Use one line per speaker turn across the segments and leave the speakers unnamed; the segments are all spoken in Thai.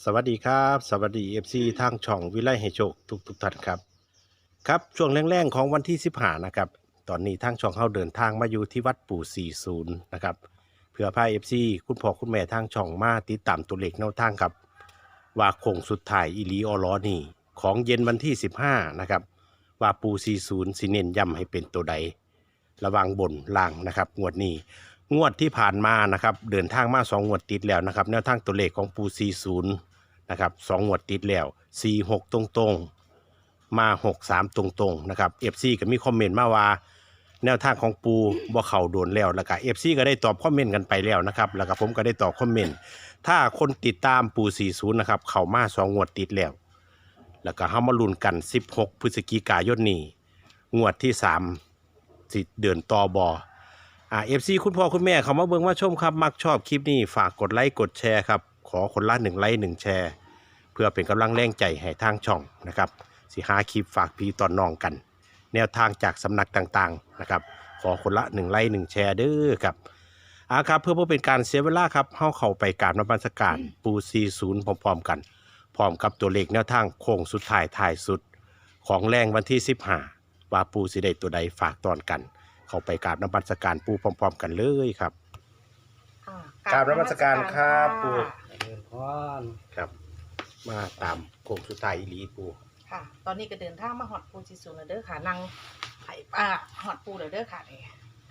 วัสดีครับสวัสดีFCทางช่องวิไลให้โชคทุกท่านครับครับช่วงแรงๆของวันที่15นะครับตอนนี้ทางช่องเฮาเดินทางมาอยู่ที่วัดปู่40นะครับเพื่อพา FC คุณพ่อคุณแม่ทางช่องมาติดตามตัวเลขแนวทางครับว่าโค้งสุดท้ายอีหลีออลอนี่ของเย็นวันที่15นะครับว่าปู่40สิเน้นย้ำให้เป็นตัวใดระวังบนล่างนะครับงวดนี้ งวดที่ผ่านมานะครับเดินทางมา2 งวดติดแล้วนะครับแนวทางตัวเลขของปู40นะครับ2 งวดติดแล้ว46ตรงๆมา63ตรงๆนะครับ FC ก็มีคอมเมนต์มาว่าแนวทางของปูบ่เข้าโดนแล้วแล้วก็ FC ก็ได้ตอบคอมเมนต์กันไปแล้วนะครับแล้วก็ผมก็ได้ตอบคอมเมนต์ถ้าคนติดตามปู40นะครับเข้ามา2 งวดติดแล้วแล้วก็เฮามาลุ้นกัน16พฤศจิกายนนี้งวดที่3สิเดินต่อบFC คุณพ่อคุณแม่เขามาเบิ่งมาชมครับมักชอบคลิปนี้ฝากกดไลค์กดแชร์ครับขอคนละ1 ไลค์ 1 แชร์เพื่อเป็นกำลังแรงใจให้ทางช่องนะครับสิหาคลิปฝากพี่ตอนน้องกัน แนวทางจากสำนักต่างๆนะครับขอคนละ1 ไลค์ 1 แชร์เด้อครับครับเพื่อเป็นการเสียเวลาครับเข้าไปกราบนมัสการปู40พร้อมๆกันพร้อมกับตัวเลขแนวทางโค้งสุดท้ายสุดของแรงวันที่15ว่าปูสิได้ตัวใดฝากตอนกันเข้าไปกราบนมัสการปูพร้อมๆกันเลยครับกราบนมัสการครับปู
เดินพร
ครับมาตามโค้งสุดท้ายอีหลีปู
ค่ะ ตอนนี้ก็เดินทางมาหอดปูจิสุนเด้อค่ะนั่งไผ่หอดปูเด้อค่ะนี่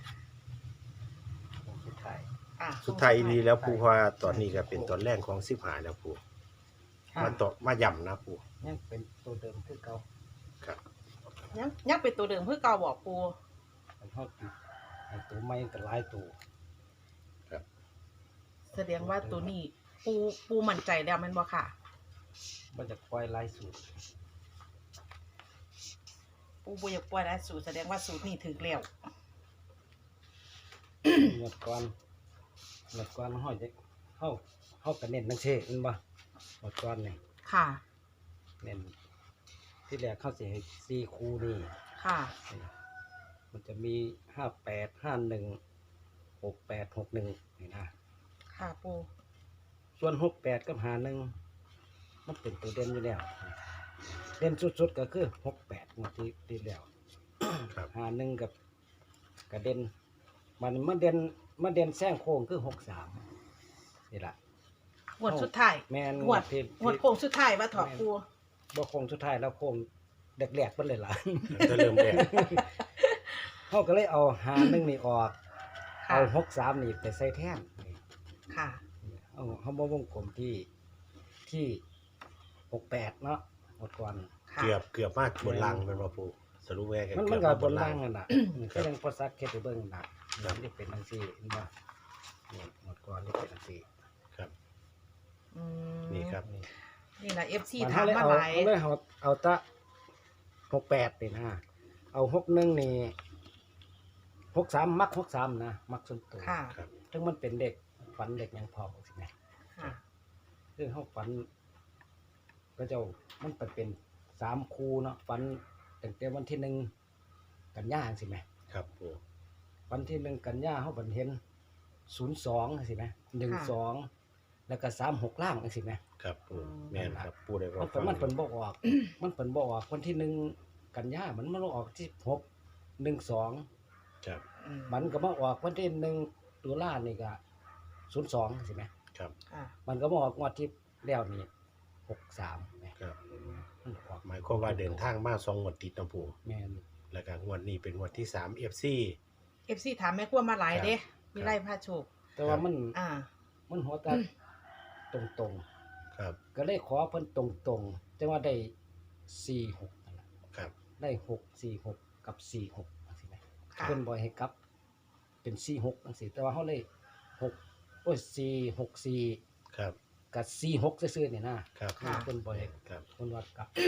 สุดท้าย
สุดท้ายอีหลีแล้วปูเพราะว่าตอนนี้ก็เป็นตอนแรกของ15แล้วปูมาต่อมาย่ำนะปู
ยังเป็นตัวเดิมคือเก่า
ครับ
ยังเป็นตัวเดิมเพื่อเก่าบอกปู
มันทอดติดไอ้ตัวใหม่ก็หลายตัว
ครับ
แสดงว่าตัวนี้ปูมั่นใจแล้วแมันบ่ค่ะ
มันจะปล่อยหลายสูตร
ปูบ่อยากปล่อยได้สูตรแสดงว่าสูตรนี้ถึกแล้ว
เมื่อก่อนเฮาจะเฮาก็เน้นจังซี่แม่นบ่เมื่อก่อนนี่
ค่ะ
เน้นที่แรกเขาสิให้4คู่นี่
ค่ะ
มันจะมี58 51 68 61นี่นะ
ค่ะปู
ส่วน68กับ51มันเป็นตัวเด่นอยู่แล้วเด่นสุดๆก็คือ68งวดที่แล้ว
ครับ
51กับกระเด่นมันเด่นแซงโค้งคือ63นี่ล่ะ
งวดสุดท้าย
แม่น
งวด
ที่
งวดโค้งสุดท้ายว่าถอดปู
บ่โค้งสุดท้ายแล้วโค้งแรกๆเพิ่นเลยล่ะ
จะเริ่มแรก
เฮาก็เลยเอา51นี่ออก
ค่ะ
เอา63นี่ไปใส่แทน
ค่ะ
เอาบ่วงกลมที่68เนาะหมดก่อน
ค่ะ
เกือบมากบนล่างเป็นว่าปูสรุปแว่กัน
มัน
เกือบ
ก็
มา
บบ น
น
ล่า
ล่าง ง
นั่นน่ะก็ยังพอซักเฮ็ดให้เบิ่งน่ะมันสิเป็นจังซี่เห็นบ่นี่หมดก่อนนี่เป็นจังซี่
ครับ
อืม
นี่ครับ
นี่นะ FC
มัน
ถามมาหลาย
เอาตะ68นี่นะเอา61นี่63มัก63นะมักส่วนตัว
ค่ะ
ครับ
ถึงมันเป็นเด็กฝันเด็กยังพอบอกสิแม่
ค่ะ
คือเฮาฝันก็เจ้ามันเป็น3คู่เนาะฝันตั้งแต่วันที่1กันยายนสิแม่
ครับปู
วันที่1กันยาเฮาบันเห็น02จังซี่แม่12แล้วก็36ล่างจังซี่แม่
ครับปูแม่นครับปูได้บอก
มันเพิ่นบ่ออก มันเพิ่นบ่ออกวันที่1กันยามันมาออกที่12
ครับ
อืม
มันก็มาออกวันที่1ตุลานี่ก็02จังซี่แม่
ครับ
ค่ะ
มันก็มาออกงวดที่แล้วนี่63แม่
ครับ
มันออก
หมายความว่าเดินทางมา2 งวดติดนะปู
แม่น
แล้วก็งวดนี้เป็นงวดที่3 FC
FC ถามแม่ครัวมาหลายเด้
ครับ
มีไล่ผ้าโชค
แต่ว่ามัน
อ่า
หัวตาตรง
ครับ
ๆก็เลยขอเพิ่นตรงๆจังว่าได้46นั่นล่ะ
ครับ
ได้646กับ46จังซี่แหม
ค่ะ
เพิ่นบ่ให้กลับเป็น46จังซี่แต่ว่าเฮาเลย464
ครับ
กับ46ซื่อๆนี่นะครับ
ค่ะ
เพิ่นบ่ให้
ครับ
เพิ่นว่ากลับ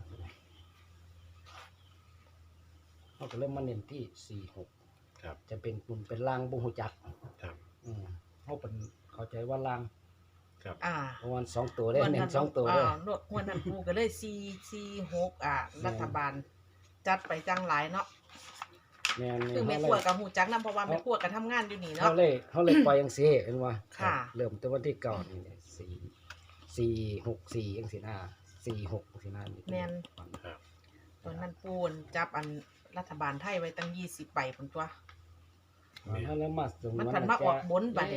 เฮาก็เลยมาเน้นที่46
ครับ
จะเป็นบุญเป็นลางบ่ฮู้จัก
ครับ
เฮาเป็นเข้าใจว่าลาง
ครับ
เพราะมัน2ตัวได้เน้น2ตัวเด้อ
นวดงวดนั้นปูก็เลย446รัฐบาล จัดไปจังหลายเนาะ
แม่น
คือแม่ครัวกับหูจักนำเพราะว่าแม่ครัวก็ทำงานอยู่นี่
เฮา
เนาะ
เลยปล่อยจังซี่เห็นบ่
ค่ะ
เริ่มแต่วันที่9นี่4 464จังซี่นะ46จังซี่นะ
แม่น
ครับ
ตอนนั้นปูนจับอันรัฐบาลไทยไว้ตั้ง20ใบพุ่นตัว
มันแล้วมาถึง
มันผันมาออกบนบัดนี้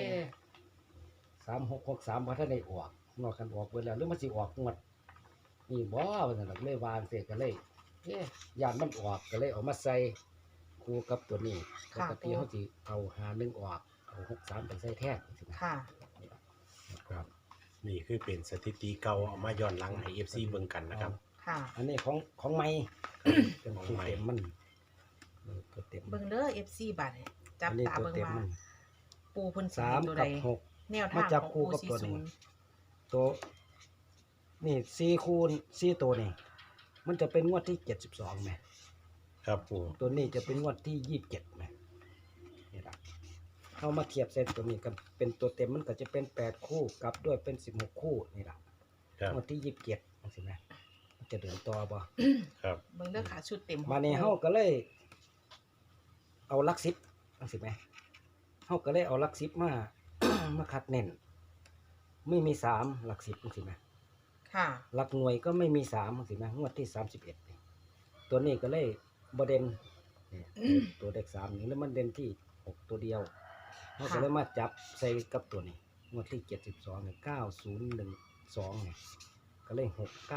3663บ่ทันได้ออกนอกกันออกเบิดแล้วหรือมันสิออกงวดนี่บ่ว่าซั่นน่ะเลยวางเสร็จก็เลยย่านมันออกก็เลยเอามาใส่คู่กับตัวนี้ป
ค่ะ
กติเฮาสิเอา51ออกเอา63ไปใส่แทนจังซี่นะ
ค่ะ
ครับ นี่คือเป็นสถิติเก่าเอามาย้อนหลังให้ FC เบิ่งกันนะครับ
ค่ะ
อันนี้ของใหม่เป็น
ของ
ตัว
ใหม่
เต็มมันตัวเต็ม
เบิ่งเด้อ FC บัดนี้จับ
อันนี้
ตา
ตัว
เบิ่ง
เต็ม
ว่า
มัน
ปูเพิ่นสิ
สาม
เป็นตัวใด
กับหก
แนวทาง
มาจับ
ของ
คู่
ปู
กับตัวนี้
40
ตัวนี่4คูณ4ตัวนี่มันจะเป็นงวดที่72แหม
ครับปู
ตัวนี้จะเป็นงวดที่27แหมนี่ล่ะเอามาเทียบเส้นตัวนี้กันเป็นตัวเต็มมันก็จะเป็น8คู่กลับด้วยเป็น16คู่นี่ล่ะ
ครับ
งวดที่27จังซี่แหมมันจะเดินต่อบ่
ครับ
เบิ่งเด้อค่ะชุดเต็มของ
มาในเฮาก็เลย เอาหลัก10จังซี่แหมเฮาก็เลยเอาหลัก10มา มาคัดเน้นไม่มี3หลัก10จังซี่แหม
ค่ะ
หลักหน่วยก็ไม่มี3จังซี่แหมงวดที่31นี่ตัวนี้ก็เลยบ่เด่นนี่ตัวเลข3นี่แล้วมันเด่นที่6ตัวเดียวเฮาก็เลยมาจับใส่กับตัวนี้งวดที่72นี่9012นี่ก็เลย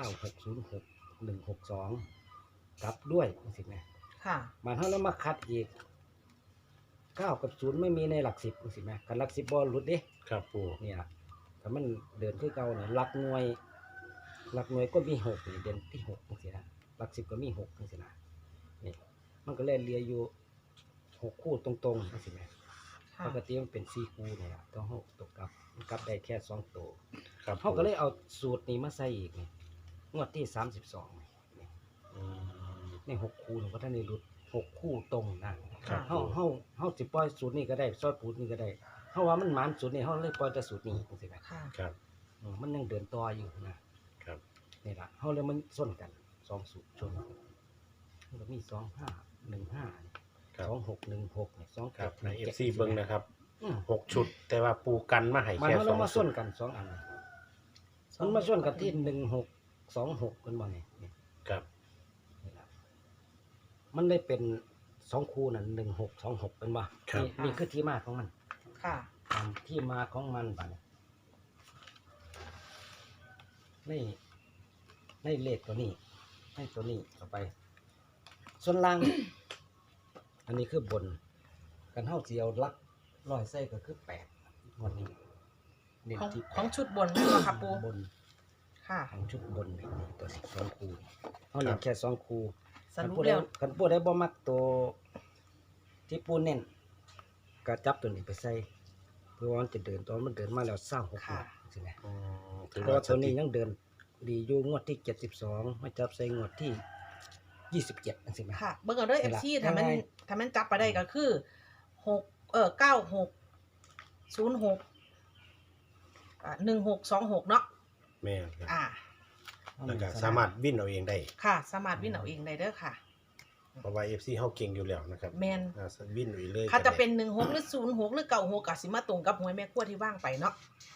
69606 162กลับด้วยจังซี่แหม
ค่ะ
มันเฮาแล้วมาคัดอีก9กับ0ไม่มีในหลัก10จังซี่แหมคันหลัก10บ่หลุดเด้
ครับปู
เนี่ยถ้ามันเดินคือเก่าเนี่ยหลักหน่วยก็มี6นี่เด่นที่6จังซี่นะหลัก10ก็มี6จังซี่นะนี่มันก็เลยเหลืออยู่6คู่ตรงๆจังซี่แหม
ค่ะ
ปกติมันเป็น4คู่นี่ล่ะต้องเฮาตกกลับมันกลับได้แค่2ตัว
ครับ
เฮาก็เลยเอาสูตรนี้มาใส่อีกนี่งวดที่32นี่
อืม
ใน6คู่นี่ก็ท่านได้หลุด6คู่ตรงนะ
ครับ
เฮาสิปล่อยสูตรนี้ก็ได้ซอยปูดนี้ก็ได้เฮาว่ามันหมานสูตรนี้เฮาเลยปล่อยแต่สูตรนี้จังซี่แหม
ค่ะ
ครับ
มันยังเดินต่ออยู่นะครับ นี่ล่ะเฮาเลยมันส้นกัน2สูตรชนกันมันก็มี2515
ครับ
2616นี่
ครับ
27
ใน FC เบิ่งนะครับ
อืม
6 ชุด แต่ว่าปูกันมาให้
มัน
แค่
เฮาเลยมา
2
ส้นกัน2อันนี่มันมาส้นกันที่1626กันบ่นี่นี่
ครับ
นี่ล่ะมันเลยเป็น2คู่นั่น1626เป็นบ่นี่คือที่มาของมัน
ค่ะ
ตามที่มาของมันบัดนี้ในเลขตัวนี้ให้ตัวนี้ต่อไป ส่วนล่าง อันนี้คือบนกันเท่าเจียวลักร้อยไส้ก็คือ8วันนี้เน้น
ของ
ที่
ของชุดบนนั่นเหรอคะปู
บน
ค่ะ
ของชุดบนนี่ตัว2คู่เขาเน้นแค่2คู่
สรุป
ผู้ใด
แล้ว
กันผู้ใดบ่มักตัวที่ปูเน้นก็จับตัวนี้ไปใส่เพื่อว่ามันจะเดินตอนมันเดินมาแล้ว26
ค่ะ
ใช่ไหม
อืมถือ
เพราะ
ว่า
ว่าตัวนี้ยังเดินดีอยู่งวดที่72มาจับใส่งวดที่27จังซี่แหม
ค่ะ เบิ่งเอาเด้อ
นี่ล่ะ
FC ถ้ามัน
ง่าย
ถ้ามันจับไปได้ก็คือ96061626เนาะ
แม่นครับ
อ่า
แล้วก็สามารถวิ่นเอาเองได้
ค่ะ สามารถวิ่งเอาเองได้เด้อค่ะ
เพราะว่า FC เฮาเก่งอยู่แล้วนะครับ
แมน
วิ่นเอาเองเลย
ถ้าจะ
ก็ได้
เป็น16หรือ06หรือ96ก็สิมาตรงกับหวยแม่ครัวที่ว่างไปเนาะ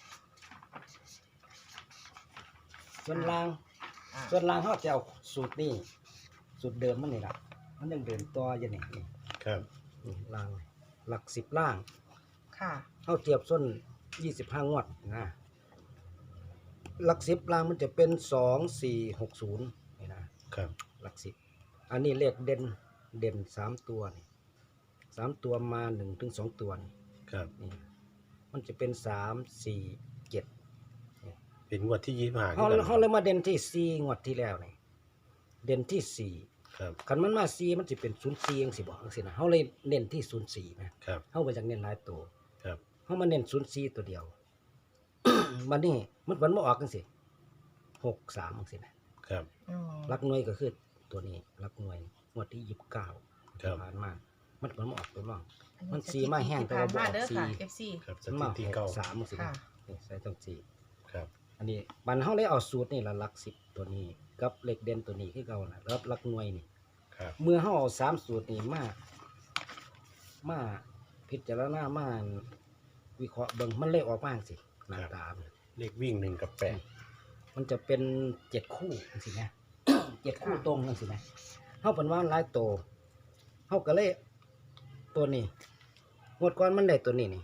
ส่วนล่าง
อ่า
ส่วนล่างเขาจะเอาสูตรนี้สูตรเดิมมันนี่ล่ะมันยังเดินต่ออยู่นี่นี่
ครับ
นี่ล่างหลัก10ล่าง
ค่ะ
เขาเทียบส้น25งวดนะหลัก10ล่างมันจะเป็น2460นี่นะครับ หลัก10อันนี้เลขเด่น3ตัวนี่3ตัวมา1ถึง2ตัวนี่
ครับ
นี่มันจะเป็น3 4 7
เป็นงวดที่25
เขาเลยมาเด่นที่4งวดที่แล้วนี่เด่นที่4
ครับ
คันมันมา4มันสิเป็น04จังซี่บ่จังซี่นะเฮาเลยเน้นที่04นะครับ เฮาบ่อยากเน้นหลายตัว
ครับ
เฮามาเน้น04ตัวเดียว บัดนี้มันมาออกจังซี่63จังซี่นะครับ
อืม
หลักหน่วยก็คือตัวนี้หลักหน่วยงวดที่29
ครับ
ผ่านมามันมาออกตัวรอง
อั
มันสีมาแห้งแต่ว่าบ่ออก
เด้อ
สี
ค่ะ FC
ครับส
มันมา
ถิติเก่า
63จังซี่
ค่ะ
นี่ใส่ต้องสี่
ครับ
อันนี้บัดเฮาเลยเอาสูตรนี่ละหลัก10ตัวนี้กับเลขเด่นตัวนี้คือเก่าน่ะแล้วหลักหน่วยนี่
ครับ
เมื่อเฮาเอา3สูตรนี้มาพิจารณามาวิเคราะห์เบิ่งมันเลยออกมาจังซี่หน้าตามัน
เลขวิ่ง1กับ8
มันจะเป็น7 คู่จังซี่นะ 7 คู่ตรงจังซี่นะเฮาเพิ่นว่าหลายโตเฮาก็เลยตัวนี้งวดก่อนมันได้ตัวนี้นี่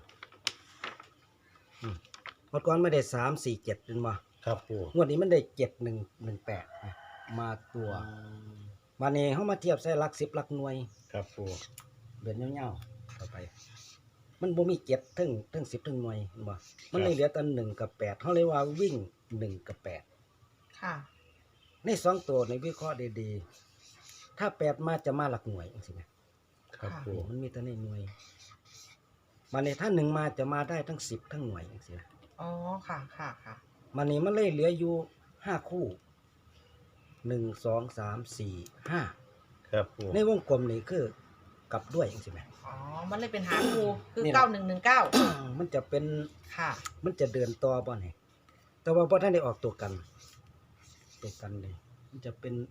งวดก่อนไม่ได้3 4 7เห็นบ่
ครับปู
งวดนี้มันได้7118นะมาตัวมานี่เฮามาเทียบใส่หลัก10หลักหน่วย
ครับปู
เดินยาวๆต่อไป มันบ่มี7ถึง10ถึงหน่วยเห็นบ่มันเลยเหลือแต่1กับ8เฮาเลยว่าวิ่ง1กับ8
ค่ะ
ใน2ตัวในวิเคราะห์ดีๆถ้า8มาจะมาหลักหน่วยจังซี่นะครับ
ปู
มันมีแต่ในหน่วยมานี่ถ้า1มาจะมาได้ทั้ง10ทั้งหน่วยจังซี่นะ
อ๋อค่ะค่ะค่ะ
มานี่มันเลยเหลืออยู่5คู่1 2 3 4 5
ครับปู
ในวงกลมนี่คือกลับด้วยจังซี่แหม
อ๋อมันเลยเป็นหาคูคือ
นี่แหละ
9119
มันจะเป็น
ค่ะ
มันจะเดินต่อบ่นี่แต่ว่าบ่ทันได้ออกตัวกันนี่มันจะเป็น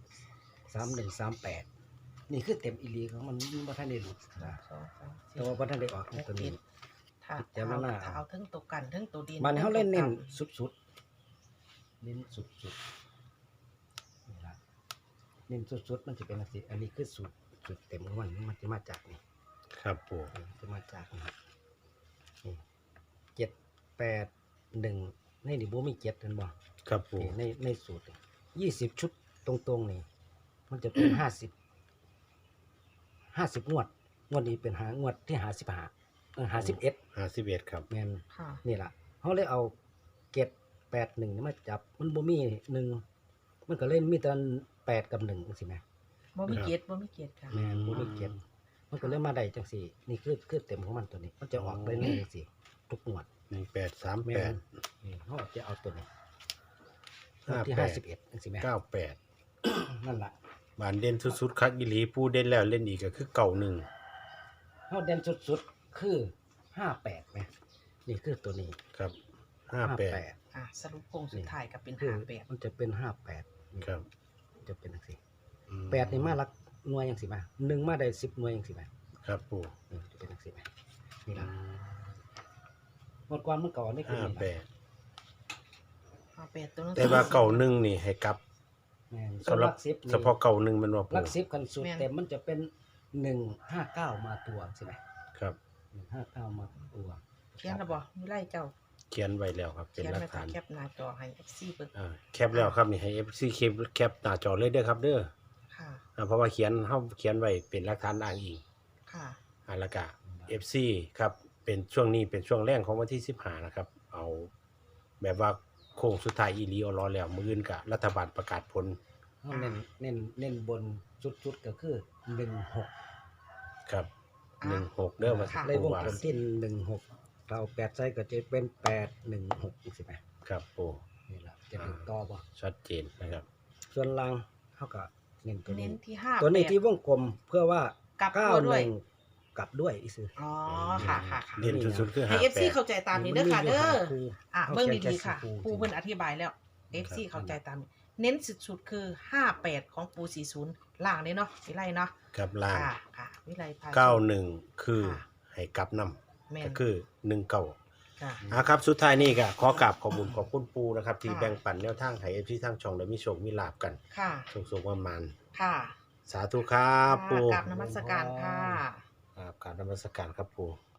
3138นี่คือเต็มอีหลีของมันบ่ทันได้หลุดนะ
2 3
แต่ว่าบ่ทันได้ออกในตัวนี้
ถ้า
พิจารณา
เอาทั้งตัวกันทั้งตัวดิน
มันเฮาเล่นเน้น
ทั้งตัว
สุดๆเน้นสุดๆนี่ล่ะเน้นสุดๆมันจะเป็นจังซี่อันนี้คือสูตรเต็มของมันจะมาจากนี่
ครับปู
จะมาจากนี่781ในนี่บ่มี7เห็นบ่
ครับปู
นี่ในสูตร20 ชุดตรงๆนี่มันจะเป็น50งวดนี้เป็นงวดที่51
51ครับ
แม่น
ค่ะ
นี่ล่ะเฮาเลยเอา781นี่มาจับมันบ่มี1มันก็เล่นมีแต่8กับ1จังซี่แหม
บ่มีเกียรติบ่มีเกียรติค่ะ
แม่นบ่มี7มันก็เลยมาได้จังซี่นี่คือเต็มของมันตัวนี้มันจะออกได้เลยจังซี่ทุกงวด แม่น
1838
นี่เฮาจะเอาตัวนี้งวดที่
58
51จังซี่แหม
98
นั่นล่ะ
บานเด่นสุดๆคักอีหลีปูเด่นแล้วเล่นอีกก็คือเก่าหนึ่ง
เฮาเด่นสุดๆคือ58แหมนี่คือตัวนี้
ครับ58
อ่ะสรุปโครงสุดท้ายก็เป็น
คือ
58
มันจะเป็น58นี่
ครับ
มันจะเป็นจังซี่
อืม
8นี่มาหลักหน่วยจังซี่มา1มาได้10หน่วยจังซี่มา
ครับปู
นี่จะเป็นจังซี่มานี่ล่ะงวดก่อนมันก็นี่คือนี่ล่ะ
58ตัวนั้น
แต่ว่าเก่าหนึ่งนี่ให้กลับ
แม่น
สำหรับ
10นี่
เฉพาะเก่าหนึ่งมันว่าปู
หลัก10คันสุดเต็มมันจะเป็น159มาตัวใช่ไหม
ครับ
159มาตัว
เขียนแล้วบ่มีไล่เจ้า
เขียนไว้แล้วครับ เป็น
เขียน
หลัก
ไว้ค่ะ
ฐาน
แคปหน้าจอให้ FC เบิ่ง
แคปแล้วครับนี่ให้ FC แคปหน้าจอเลยเด้อครับเด้อ
ค่ะ
เพราะว่าเขียนไว้เป็นหลักฐานอ้างอิง
ค่ะ
แล้วก็ FC ครับเป็นช่วงนี้เป็นช่วงแรกของวันที่15นะครับ เอาแบบว่าโค้งสุดท้ายอีหลีเอารอแล้วมื้ออื่นก็รัฐบาลประกาศผล
เฮาเน้นบนสุดๆก็คือ16
ครับ
อ่า
16เด้อว่าสิ
ค่ะ
เลยว
ปู
ง
ว่าก
ลมที่16เรา8ใส่ก็จะเป็น816อีกสิไหม
ครับปู
นี่ล่ะจะเป็นต่อบ่
ชัดเจนนะครับ
ส่วนล่างเฮาก็เน้นตัว
เน้
นี้
นที่5
ตัวนี้ที่วงกลมเพื่อว่าก
ลับตัวด้วย
91กลับด้วยอีซื่อ
อ๋อค่ะค่ะค่ะ
เด่นสุดๆคือ
ให้ FC เข้าใจตามนี้เด้อค่ะเด้อ อ่ะ
ขา
เบิ่ง
ขียน
ดีๆค่ะ
แค่4
ปูเพิ่นอธิบายแล้ว FC เข้าใจตามนี้เน้นสุดๆคือ58ของปู40ล่างนี่เนาะวิไลเนาะ
กับล่าง
ค่ะค่ะวิไลพา
91คือ
ค่ะ
ให้กลับนำ
แม่น
ก็คือ19
ค่ะ
ครับสุดท้ายนี่ก็ขอกราบขอบคุณปูนะครับ ที่
ค่ะ
แบ่งปันแนวทางให้ FC ทางช่องได้มีโชคมีลาบกัน
ค่ะ
สุขๆประมาณ
ค่ะ
สาธุครับปู
กราบนมัสการค่ะ
ครับกราบนมัสการครับปู